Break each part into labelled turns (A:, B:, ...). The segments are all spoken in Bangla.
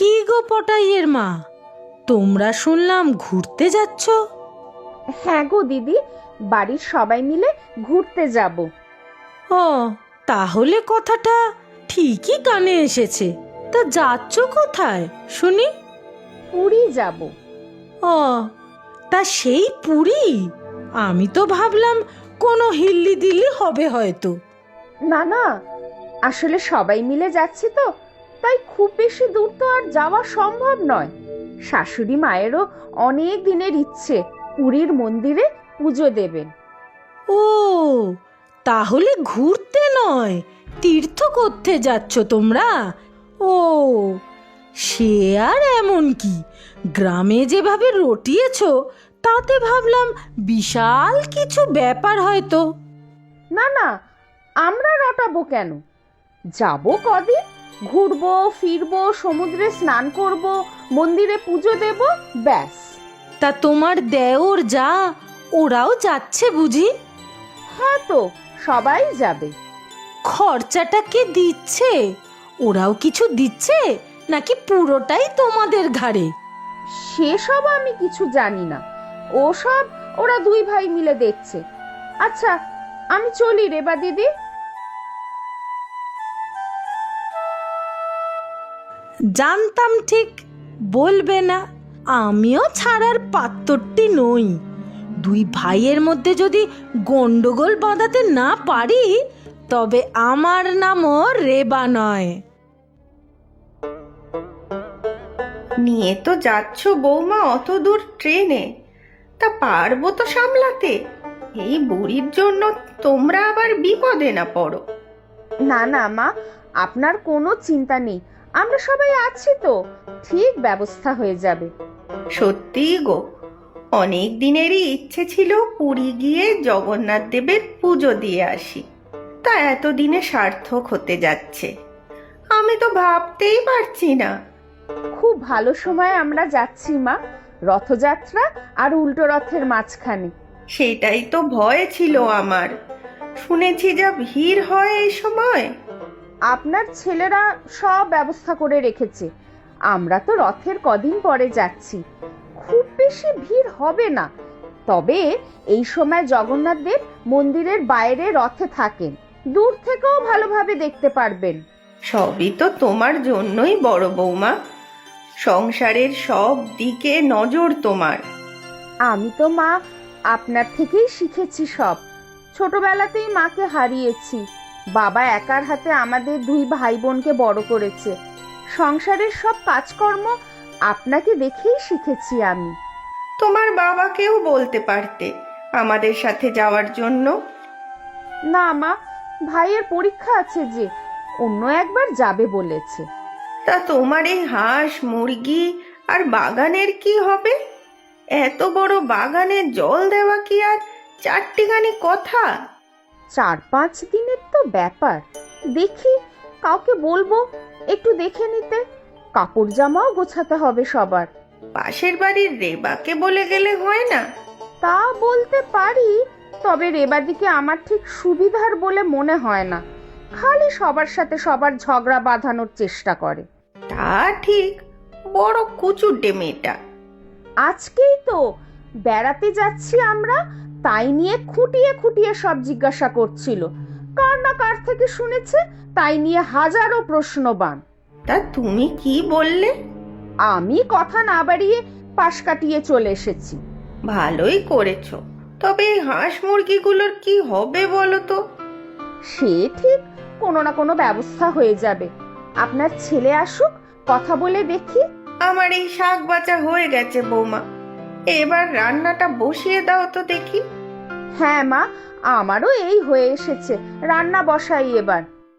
A: কি গো পটাইয়ের মা, তোমরা শুনলাম ঘুরতে যাচ্ছ?
B: হ্যাঁ গো দিদি, বাড়ির সবাই মিলে ঘুরতে যাব।
A: ও, তাহলে কথাটা ঠিকই কানে এসেছে। তা যাচ্ছ কোথায় শুনি?
B: পুরী যাব।
A: ও, তা সেই পুরী? আমি তো ভাবলাম কোনো হিল্লি দিল্লি হবে হয়তো।
B: না না, আসলে সবাই মিলে যাচ্ছি তো, তাই খুব বেশি দূর তো আর যাওয়া সম্ভব নয়। শাশুড়ি মায়েরও অনেক দিনের ইচ্ছে পুরীর মন্দিরে পুজো দেবেন।
A: ও, তাহলে ঘুরতে নয়, তীর্থ করতে যাচ্ছ তোমরা? ও, সে আর এমন কি, গ্রামে যেভাবে রটিয়েছ তাতে ভাবলাম বিশাল কিছু ব্যাপার হয়তো।
B: না না, আমরা রটাবো কেন? যাব কদিন, ঘুরবো ফিরবো, সমুদ্রে স্নান করব, মন্দিরে পুজো দেব, ব্যাস।
A: তা তোমার দেওর যা, ওরাও যাচ্ছে বুঝি?
B: হ্যাঁ তো, সবাই যাবে।
A: খরচাটা কে দিচ্ছে? ওরাও কিছু দিচ্ছে নাকি পুরোটাই তোমাদের ঘাড়ে?
B: সেসব আমি কিছু জানি না, ওসব ওরা দুই ভাই মিলে দেখছে। আচ্ছা, আমি চলি রেবা দিদি।
A: জানতাম ঠিক বলবে না, আমিও ছাড়ার পাত্রটি নই। দুই ভাইয়ের মধ্যে যদি গন্ডগোল বাঁধাতে না পারি, তবে আমার নামও রেবা নয়।
C: নিয়ে তো যাচ্ছ বৌমা অত দূর ট্রেনে, তা পারবো তো সামলাতে? এই বুড়ির জন্য তোমরা আবার বিপদে না পড়ো।
B: না না মা, আপনার কোনো চিন্তা নেই, আমরা সবাই আছি তো, ঠিক ব্যবস্থা হয়ে যাবে।
C: সত্যি গো, অনেক দিনেরই ইচ্ছে ছিল পুরী গিয়ে জগন্নাথ দেবের পুজো দিয়ে আসি। তা এতদিনে সার্থক হতে যাচ্ছে, আমি তো ভাবতেই পারছি না।
B: খুব ভালো সময় আমরা যাচ্ছি মা, রথযাত্রা আর উল্টো রথের মাঝখানে।
C: সেটাই তো ভয় ছিল আমার, শুনেছি যা ভিড় হয় এই সময়।
B: আপনার ছেলেরা সব ব্যবস্থা করে রেখেছে, আমরা তো রথের কদিন পরে যাচ্ছি, খুব বেশি ভিড় হবে না। তবে এই সময় জগন্নাথ দেব মন্দিরের বাইরে রথে থাকেন, দূর থেকেও ভালোভাবে দেখতে পারবেন।
C: সবই তো তোমার জন্যই বড় বৌমা, সংসারের সব দিকে নজর তোমার।
B: আমি তো মা আপনার থেকেই শিখেছি সব, ছোটবেলাতেই মাকে হারিয়েছি, বাবা একার হাতে আমাদের দুই ভাই বোনকে বড় করেছে, সংসারের সব কাজকর্ম আপনাকে দেখেই শিখেছি আমি।
C: তোমার বাবাকেও বলতে পারতে আমাদের সাথে যাওয়ার জন্য।
B: না মা, ভাইয়ের পরীক্ষা আছে যে, অন্য একবার যাবে বলেছে।
C: তা তোমার এই হাঁস মুরগি আর বাগানের কি হবে? এত বড় বাগানে জল দেওয়া কি আর চারটিখানি কথা?
B: 4-5 দিনের তো ব্যাপার, দেখি কাউকে বলবো একটু দেখে নিতে, কাপড় জামাও গোছাতে হবে সবার।
C: পাশের বাড়ির রেবাকে বলে গেলে হয় না?
B: তা বলতে পারি, তবে রেবাদিকে আমার ঠিক সুবিধার বলে মনে হয় না, খালি সবার সাথে সবার ঝগড়া বাঁধানোর চেষ্টা করে।
C: তা ঠিক, বড় কুচুটে মেয়েটা।
B: আজকেই তো বেড়াতে যাচ্ছি আমরা, তাই নিয়ে খুঁটিয়ে খুঁটিয়ে সব জিজ্ঞাসা করছিল, কার না কার থেকে শুনেছে, তাই নিয়ে হাজারো প্রশ্নবান।
C: তা তুমি কি বললে?
B: আমি কথা না বাড়িয়ে পাশ কাটিয়ে চলে এসেছি।
C: ভালোই করেছো, তবে এই হাঁস মুরগিগুলোর কি হবে বলো তো?
B: সে ঠিক কোনো না কোনো ব্যবস্থা হয়ে যাবে, আপনার ছেলে আসুক, কথা বলে দেখি।
C: আমার এই শাক বাচা হয়ে গেছে বৌমা, এবার রান্নাটা বসিয়ে দাও তো দেখি।
B: হ্যাঁ মা, আমারও এই হয়ে এসেছে, রান্না বসাই এবার।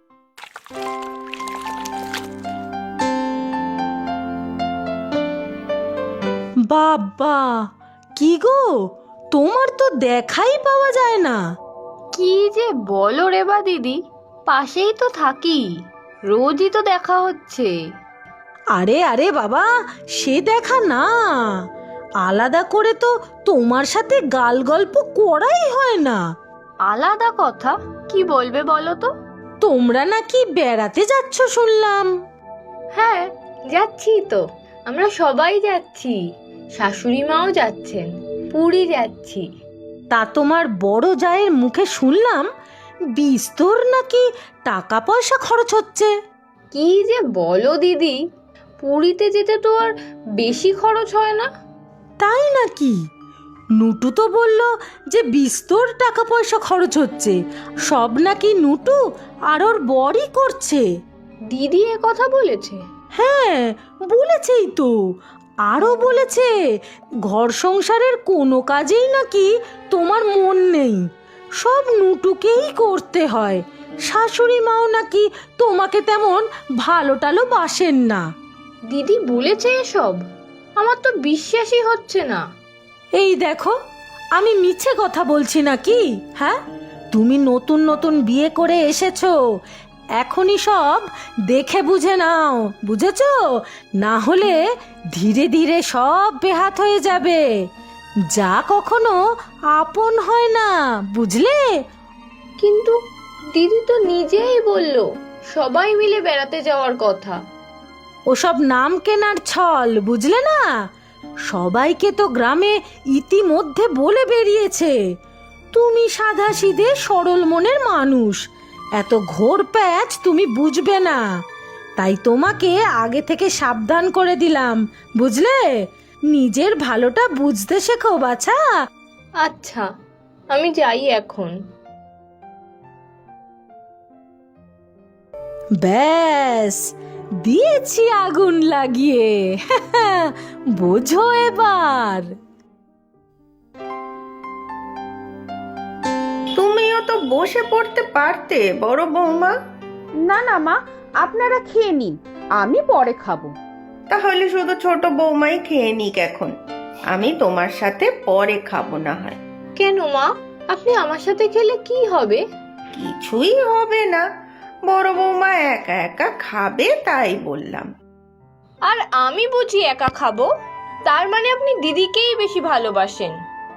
A: বাবা, কি গো, তোমার তো দেখাই পাওয়া যায় না।
D: কি যে বলো রেবা দিদি, পাশেই তো থাকি, রোজই তো দেখা হচ্ছে।
A: আরে আরে বাবা, সে দেখা না, আলাদা করে তো তোমার সাথে গাল গল্প করাই হয় না।
D: আলাদা কথা কি বলবে বলো তো?
A: তোমরা নাকি বেড়াতে যাচ্ছ শুনলাম।
D: হ্যাঁ, যাচ্ছি তো, আমরা সবাই যাচ্ছি, শাশুড়ি মাও যাচ্ছেন, পুরী যাচ্ছি।
A: তা তোমার বড় জায়ের মুখে শুনলাম বিস্তর নাকি টাকা পয়সা খরচ হচ্ছে।
D: কি যে বলো দিদি, পুরীতে যেতে তো আর বেশি খরচ হয় না।
A: তাই নাকি? নুটু তো বলল যে বিস্তর টাকা পয়সা খরচ হচ্ছে, সব নাকি নুটু আর ওর বরই করছে।
D: দিদি এ কথা বলেছে?
A: হ্যাঁ, বলেছেই তো। আরও বলেছে ঘর সংসারের কোনো কাজেই নাকি তোমার মন নেই, সব নুটুকেই করতে হয়। শাশুড়ি মাও নাকি তোমাকে তেমন ভালো টালো বাসেন না।
D: দিদি বলেছে এসব? আমার তো বিশ্বাসই হচ্ছে না।
A: এই দেখো, আমি মিছে কথা বলছি নাকি? হ্যাঁ, তুমি নতুন নতুন বিয়ে করে এসেছো, এখনই সব দেখে বুঝে নাও, বুঝেছো? না হলে ধীরে ধীরে সব বেহাত হয়ে যাবে। যা কখনো আপন হয় না, বুঝলে?
D: কিন্তু দিদি তো নিজেই বলল সবাই মিলে বেড়াতে যাওয়ার কথা।
A: ওসব নাম কেনার ছল, বুঝলে না? সবাইকে তো গ্রামে ইতিমধ্যে বলে বেরিয়েছে। তুমি সাধাসিধে সরল মনের মানুষ, এত ঘোর প্যাচ তুমি বুঝবে না, তাই তোমাকে আগে থেকে সাবধান করে দিলাম, বুঝলে? নিজের ভালোটা বুঝতে শেখো বাছা।
D: আচ্ছা, আমি যাই এখন।
A: ব্যাস, দিয়েছি আগুন লাগিয়ে। বোঝো এবার।
C: তুমিও তো বসে পড়তে পারতে বড় বৌমা।
B: না না মা, আপনারা খেয়ে নিন, আমি পরে খাবো।
C: তাহলে শুধু ছোট বৌমাই খেয়ে নিক এখন, আমি তোমার সাথে পরে খাবো না হয়।
D: কেন মা, আপনি আমার সাথে খেলে কি হবে?
C: কিছুই হবে না, বড় বৌমা একা একা খাবে তাই বললাম।
D: আর আমি বুঝি একা খাবো? তার মানে আপনি দিদিকেই বেশি ভালোবাসেন?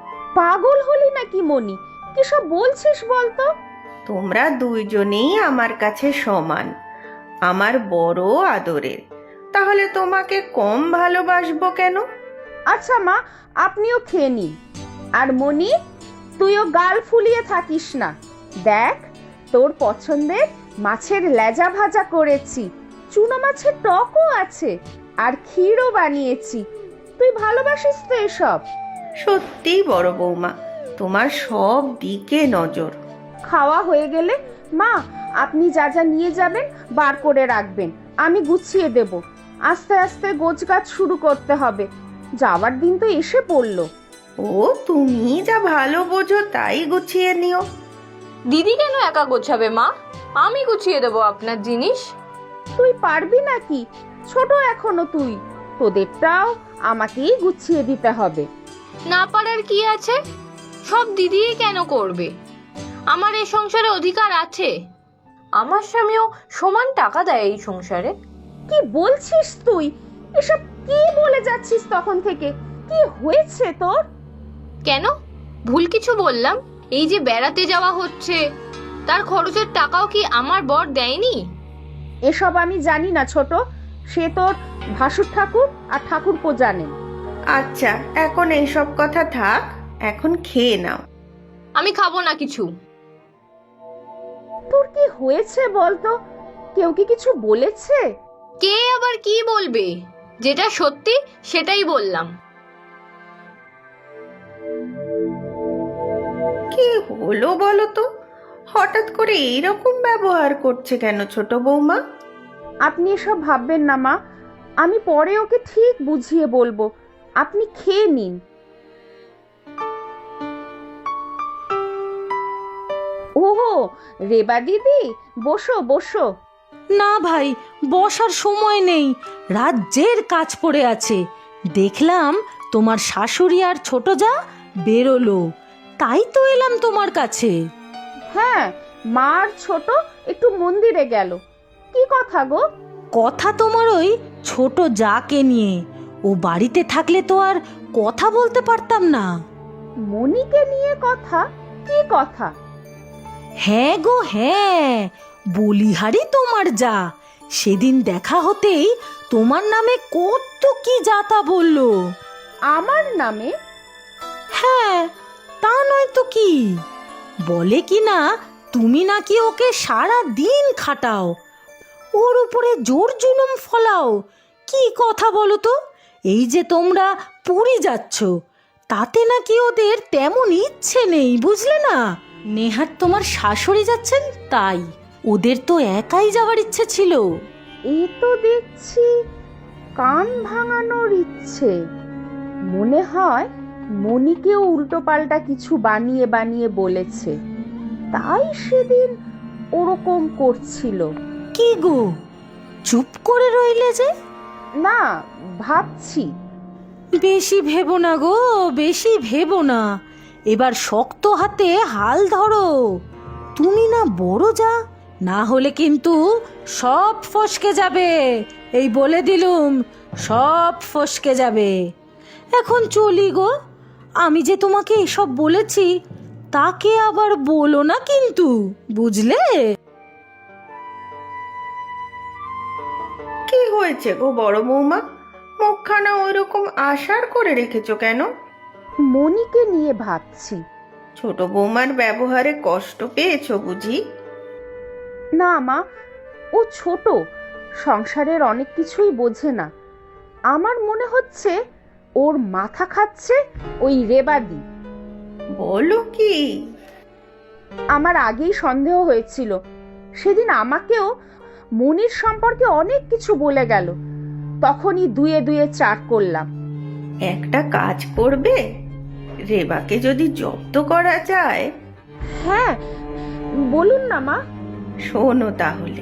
B: পাগল হলি নাকি মনি? কি সব বলছিস বলতো?
C: তোমরা দুইজনেই আমার কাছে সমান, আমার বড় আদরের, তাহলে তোমাকে কম ভালোবাসবো কেন?
B: আচ্ছা মা, আপনিও খেয়ে নিন। আর মনি, তুইও গাল ফুলিয়ে থাকিস না। দেখ, তোর পছন্দের মাছের লেজা ভাজা করেছি, চুনো মাছের টকও আছে, আর ক্ষীরও বানিয়েছি। তুই ভালোবাসিস তো এসব?
C: সত্যি বড় বৌমা, তোমার সব দিকে নজর।
B: খাওয়া হয়ে গেলে মা, আপনি যা যা নিয়ে যাবেন বার করে রাখবেন, আমি গুছিয়ে দেব। আস্তে আস্তে গোছগাছ শুরু করতে হবে, যাওয়ার দিন তো এসে পড়লো।
C: ও, তুমি যা ভালো বোঝো তাই গুছিয়ে নিও।
D: দিদি কেন একা গোছাবে মা? আমি গুছিয়ে দেবো আপনার জিনিস।
B: তুই পারবি নাকি? ছোট এখনো তুই, তোদেরটাও আমাকেই গুছিয়ে দিতে হবে।
D: না পারার কি আছে? সব দিদিই কেন করবে? আমার এই সংসারে অধিকার আছে। আমার স্বামীও সমান টাকা দেয় এই সংসারে।
B: কি বলছিস তুই? এসব কি বলে যাচ্ছিস তখন থেকে? কি হয়েছে তোর?
D: কেন, ভুল কিছু বললাম? এই যে বেড়াতে যাওয়া হচ্ছে, তার খরচের টাকাও কি আমার বর দেয়নি?
B: এসব আমি জানি না ছোট, সে তোর ভাসুর ঠাকুর আর ঠাকুরপো জানেন।
C: আচ্ছা, এখন এইসব কথা থাক, এখন খেয়ে নাও।
D: আমি খাবো না কিছু।
B: তোর কি হয়েছে বলতো? কেউ কি কিছু বলেছে?
D: কে আবার কি বলবে? যেটা সত্যি সেটাই বললাম।
C: কি হলো বলো তো? হঠাৎ করে এইরকম ব্যবহার করছে কেন ছোট বৌমা?
B: আপনি এসব ভাববেন না মা, আমি পরে ওকে ঠিক বুঝিয়ে বলবো। আপনি খেয়ে নিন। ওহো, রেবা দিদি, বসো বসো।
A: না ভাই, বসার সময় নেই, রাজ্যের কাজ পড়ে আছে। দেখলাম তোমার শাশুড়ি আর ছোট যা বেরোলো, তাই তো এলাম তোমার কাছে।
B: হ্যাঁ, মা আর ছোট একটু মন্দিরে গেল। কি কথা গো?
A: কথা তোমার ওই ছোট যাকে নিয়ে। ও বাড়িতে থাকলে তো আর কথা বলতে পারতাম না।
B: মনিকে নিয়ে কথা? কি কথা?
A: হ্যাঁ গো হ্যাঁ, বলিহারি তোমার যা। সেদিন দেখা হতেই তোমার নামে কত কি যাতা বললো।
B: আমার নামে?
A: হ্যাঁ, তা নয় তো কি। বলে কি না তুমি নাকি ওকে সারা দিন খাটাও, ওর উপরে জোর জুলুম ফলাও। কি কথা বলো তো? এই যে তোমরা পুরী যাচ্ছ, তাতে নাকি ওদের তেমন ইচ্ছে নেই, বুঝলে না? নেহাত তোমার শাশুড়ি যাচ্ছেন তাই, ওদের তো একাই যাওয়ার ইচ্ছে ছিল।
B: এ তো দেখছি কান ভাঙানোর ইচ্ছে। মনে হয় মনিকেও উল্টোপাল্টা কিছু বানিয়ে বানিয়ে বলেছে, তাই সেদিন ওরকম করছিল।
A: কি গো, চুপ করে রইলে যে?
B: না, ভাবছি।
A: বেশি ভেবো না গো, বেশি ভেবো না। এবার শক্ত হাতে হাল ধরো। তুমি না বড় যা, না হলে কিন্তু সব ফসকে যাবে। এই বলে দিলুম, সব ফসকে যাবে। এখন চলি গো। আমি যে তোমাকে এসব বলেছি তাকে আবার বলো না কিন্তু, বুঝলে?
C: কি হয়েছে গো বড় বৌমা, মুখখানা ওইরকম আশার করে রেখেছো কেন?
B: মনিকে নিয়ে ভাবছি।
C: ছোট বৌমার ব্যবহারে কষ্ট পেয়েছো বুঝি?
B: না মা, ও ছোট, সংসারের অনেক কিছুই বোঝে না। আমার মনে হচ্ছে ওর মাথা খাচ্ছে ওই রেবাদি।
C: বলো কি?
B: আমার আগেই সন্দেহ হয়েছিল। সেদিন আমাকেও মনির সম্পর্কে অনেক কিছু বলে গেল, তখনই দুয়ে দুয়ে চার করলাম।
C: একটা কাজ করবে, রেবাকে যদি জব্দ করা যায়।
B: হ্যাঁ, বলুন না মা।
C: শোনো তাহলে।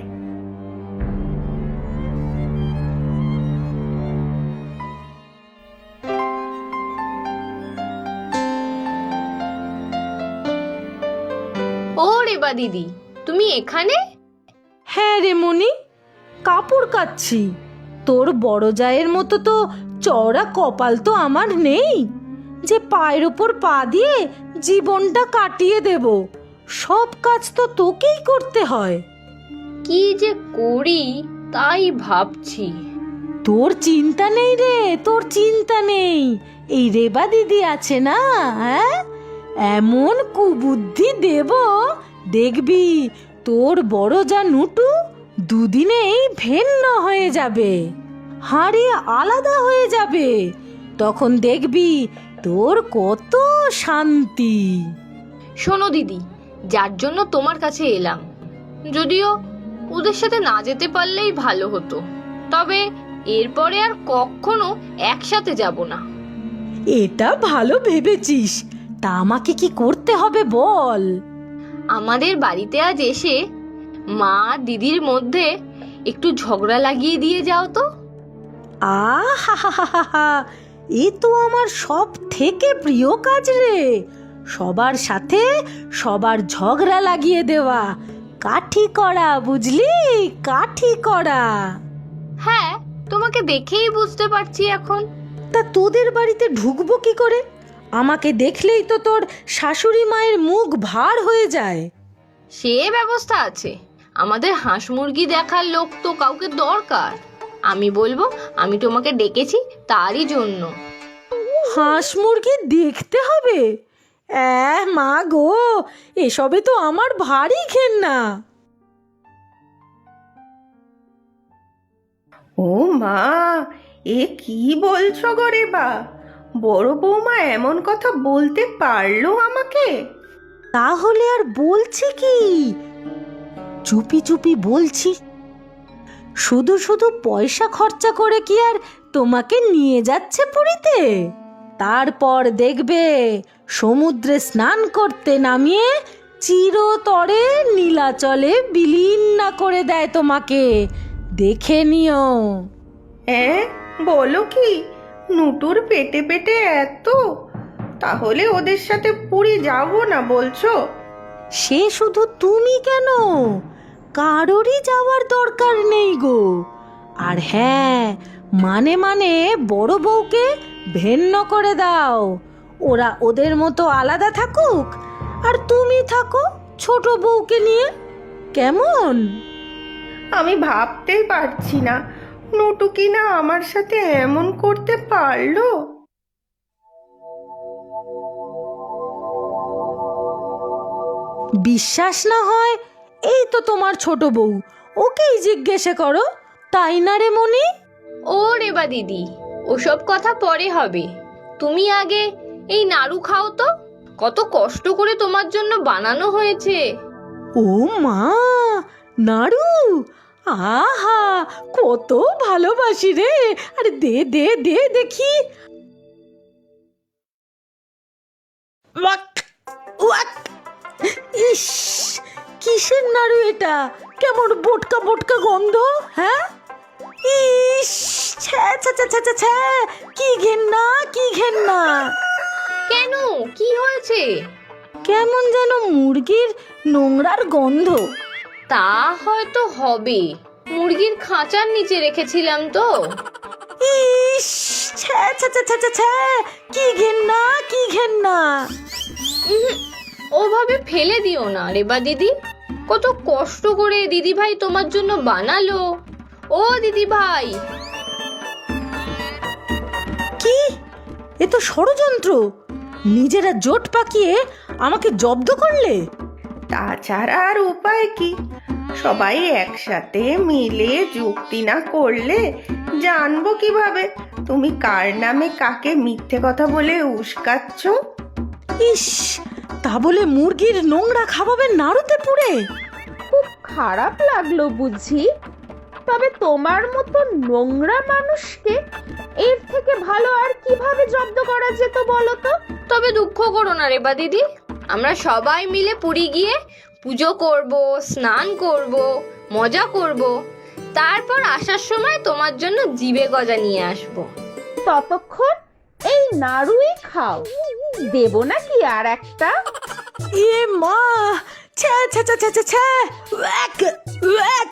D: ও রেবা দিদি, তুমি এখানে?
A: হ্যাঁ রে মনি, কাপড় কাচ্ছি। তোর বড় জায়ের মতো তো চওড়া কপাল তো আমার নেই যে পায়ের উপর পা দিয়ে জীবনটা কাটিয়ে দেব। সব কাজ তো তোকেই করতে হয়।
D: কি যে করি তাই ভাবছি।
A: তোর চিন্তা নেই রে, তোর চিন্তা নেই। এই রেবা দিদি আছে না, হ্যাঁ, এমন কুবুদ্ধি দেব, দেখবি তোর বড় যা নুটু দুদিনেই ভিন্ন হয়ে যাবে, হারিয়ে আলাদা হয়ে যাবে। তখন দেখবি তোর কত শান্তি।
D: শোনো দিদি, যার জন্য তোমার কাছে এলাম, যদিও ওদের সাথে না যেতে পারলেই ভালো হতো, তবে এরপরে আর কখনো একসাথে যাব না।
A: এটা ভালো ভেবেছিস। তা আমাকে কি করতে হবে বল?
D: আমাদের বাড়িতে আজ এসে মা দিদির মধ্যে একটু ঝগড়া লাগিয়ে দিয়ে যাও তো।
A: আহা, এ তো আমার সব থেকে প্রিয় কাজ রে। সবার সাথে সবার ঝগড়া লাগিয়ে দেওয়া, কাঠি করা, বুঝলি? কাঠি করা।
D: হ্যাঁ, তোমাকে দেখেই বুঝতে পারছি এখন।
A: তা তোদের বাড়িতে ঢুকবো কি করে? আমাকে দেখলেই তো তোর শাশুড়ি মায়ের মুখ ভার হয়ে যায়।
D: সে ব্যবস্থা আছে, আমাদের হাঁস মুরগি দেখার লোক তো কাউকে দরকার। আমি বলবো আমি তোমাকে ডেকেছি তারই জন্য।
A: হাঁস মুরগি দেখতে হবে? মা গো, এসবে তো আমার ভারী ঘেন্না।
C: ও মা, এ কি বলছো গো রেবা? বড় বৌমা এমন কথা বলতে পারলো আমাকে?
A: তাহলে আর বলছি কি, চুপি চুপি বলছি। শুধু শুধু পয়সা খরচা করে কি আর তোমাকে নিয়ে যাচ্ছে পুরীতে? তারপর দেখবে সমুদ্রে স্নান করতে নামিয়ে চিরতরে নীলাচলে বিলীন না করে দেয় তোমাকে। দেখে নিও।
C: হ্যাঁ, বলো কি? নুটুর পেটে পেটে এত? তাহলে ওদের সাথে পুরী যাব না বলছো?
A: সে শুধু তুমি কেন, কারোরই যাওয়ার দরকার নেই গো। আর হ্যাঁ, মানে মানে বড় বউকে ভিন্ন করে দাও। ওরা ওদের মতো আলাদা থাকুক, আর তুমি থাকো ছোট বউকে নিয়ে। কেমন?
C: আমি ভাবতেই পারছি না নটু কি না আমার সাথে এমন করতে পারলো?
A: বিশ্বাস না হয় এই তো তোমার ছোট বউ, ওকেই জিজ্ঞেসে করো, তাই না রে মনি?
D: ও রেবা দিদি, ওসব কথা পরে হবে। তুমি আগে এই নাড়ু খাও তো, কত কষ্ট করে তোমার জন্য বানানো হয়েছে।
A: ও মা, নাড়ু! আহা, কত ভালোবাসি রে। আরে দে দে দে দেখি। Walk, walk. ইস, কিসের নাড়ু এটা? কেমন বোটকা বোটকা গন্ধ, হ্যাঁ? ইস, ছ্যা ছ্যা ছ্যা ছ্যা ছ্যা ছ্যা, কি ঘেন্না, কি ঘেন্না।
D: কেন, কি হয়েছে?
A: কেমন যেন মুরগির নোংরার গন্ধ।
D: তা হয়তো হবে, মুরগির খাঁচার নিচে রেখেছিলাম তো।
A: ইস, ছ্যা ছ্যা ছ্যা ছ্যা ছ্যা ছ্যা, কি ঘেন্না, কি ঘেন্না।
D: ওভাবে ফেলে দিও না রেবা দিদি, কত কষ্ট করে দিদি ভাই তোমার জন্য বানালো। ও দিদি ভাই!
A: কি, এ তো ষড়যন্ত্র। নিজেরা জোট পাকিয়ে আমাকে জব্দ করলে।
C: তাছাড়া আর উপায় কি? সবাই একসাথে মিলে যুক্তি না করলে জানবো কিভাবে তুমি কার নামে কাকে মিথ্যে কথা বলে উস্কাচ্ছ?
A: ইস, তা বলে মুরগির নোংরা খাওয়াবে নাড়ুতে পুড়ে?
B: খুব খারাপ লাগলো বুঝি। তবে তোমার মতো নোংরা মানুষকে এর থেকে ভালো আর কিভাবে জব্দ করা যেত বলো তো?
D: তবে দুঃখ করো না রেবা দিদি, আমরা সবাই মিলে পুরী গিয়ে পুজো করব, স্নান করব, মজা করব, তারপর আসার সময় তোমার জন্য জিভে গজা নিয়ে আসবো।
B: ততক্ষণ এই নাড়ুই খাও, দেব নাকি আর একটা?
A: এ মা, ছ্যা ছ্যা ছ্যা ছ্যা ছ্যা ছ্যা, ওয়াক, ওয়াক।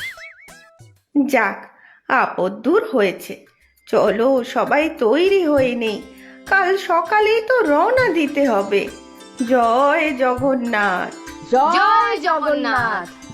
C: যাক, আপদ দূর হয়েছে। চলো সবাই তৈরি হয়ে নেই, কাল সকালেই তো রওনা দিতে হবে। জয় জগন্নাথ।
B: জয় জগন্নাথ।